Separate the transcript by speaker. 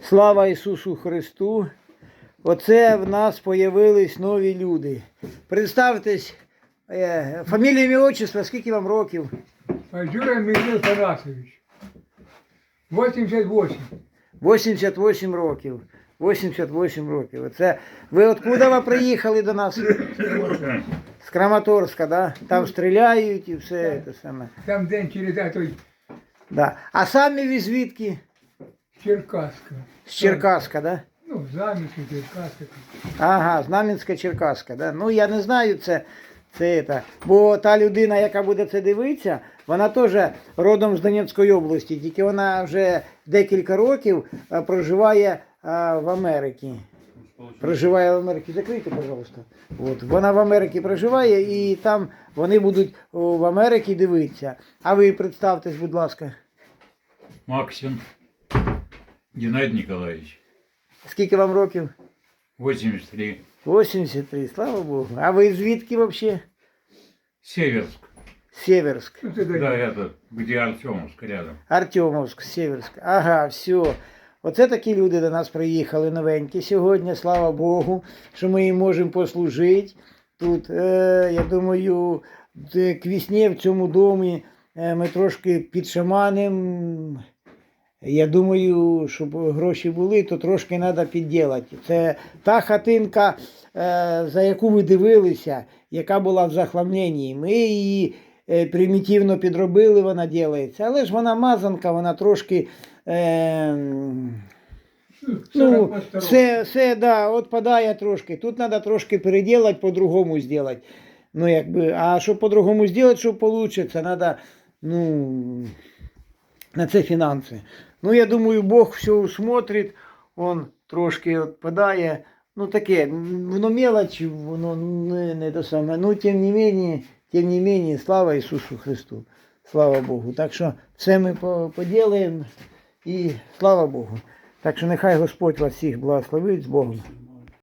Speaker 1: Слава Ісусу Христу! Оце в нас появились нові люди. Представтесь, фамілія, ім'я, отчество, скільки вам років?
Speaker 2: Юрий Михаил Тарасович. 88.
Speaker 1: 88 років. 88 років. Оце ви откуда ви приїхали до нас? З Краматорська, да? Там стріляють і все це саме.
Speaker 2: Там день через той
Speaker 1: Да. А самі ви звідки?
Speaker 2: Черкаска.
Speaker 1: З Черкаска, да?
Speaker 2: Ну, Знам'янська, Черкаска.
Speaker 1: Ага, Знам'янська, Черкаска, да? Ну я не знаю бо та людина, яка буде це дивитися, вона теж родом з Донецької області, тільки вона вже декілька років проживає в Америці. Проживає в Америці. Закрийте, пожалуйста. От. Вона в Америці проживає і там вони будуть в Америці дивитися. А ви представтесь, будь ласка.
Speaker 3: Максим Геннадий Николаевич.
Speaker 1: Скільки вам років?
Speaker 3: 83.
Speaker 1: 83, слава Богу. А ви звідки взагалі?
Speaker 3: Северск.
Speaker 1: Северск.
Speaker 2: Ну, це
Speaker 3: Да, это где Артемовск рядом.
Speaker 1: Артемовськ, Северськ. Ага, все. Оце такі люди до нас приїхали новенькі сьогодні, слава Богу, що ми їм можемо послужити. Тут, я думаю, к весні в цьому домі ми трошки підшаманимо. Я думаю, щоб гроші були, то трошки треба підділати. Це та хатинка, за яку ви дивилися, яка була в захламленні. Ми її примітивно підробили, вона ділається. Але ж вона мазанка, вона трошки... все, да, відпадає трошки. Тут треба трошки переділати, по-другому зробити. Ну, якби, а щоб по-другому зробити, щоб вийде, треба, на це фінанси. Ну, я думаю, Бог все усмотрить, он трошки відпадає. Ну, таке, воно мелочь, воно не те саме. Ну, тим не менее, слава Ісусу Христу. Слава Богу. Так що все ми поділаємо і слава Богу. Так що нехай Господь вас всіх благословить з Богом.